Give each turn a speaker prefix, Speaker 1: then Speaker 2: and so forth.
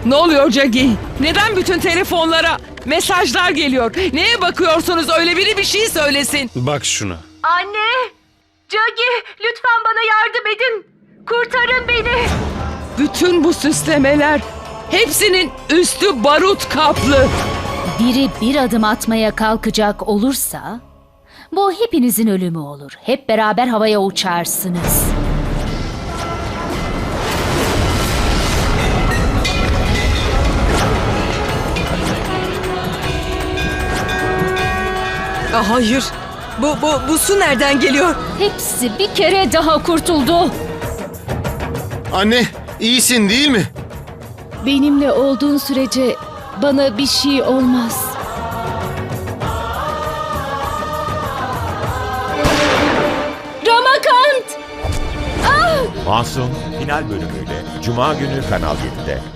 Speaker 1: Ne oluyor Cagi? Neden bütün telefonlara mesajlar geliyor? Neye bakıyorsunuz? Öyle biri bir şey söylesin.
Speaker 2: Bak şuna.
Speaker 3: Anne! Cagi, lütfen bana yardım edin. Kurtarın beni.
Speaker 1: Bütün bu süslemeler hepsinin üstü barut kaplı.
Speaker 4: Biri bir adım atmaya kalkacak olursa bu hepinizin ölümü olur. Hep beraber havaya uçarsınız.
Speaker 5: Hayır. Bu su nereden geliyor?
Speaker 4: Hepsi bir kere daha kurtuldu.
Speaker 6: Anne, iyisin değil mi?
Speaker 7: Benimle olduğun sürece bana bir şey olmaz. Ramakant!
Speaker 8: Masum final bölümüyle Cuma günü Kanal 7'de.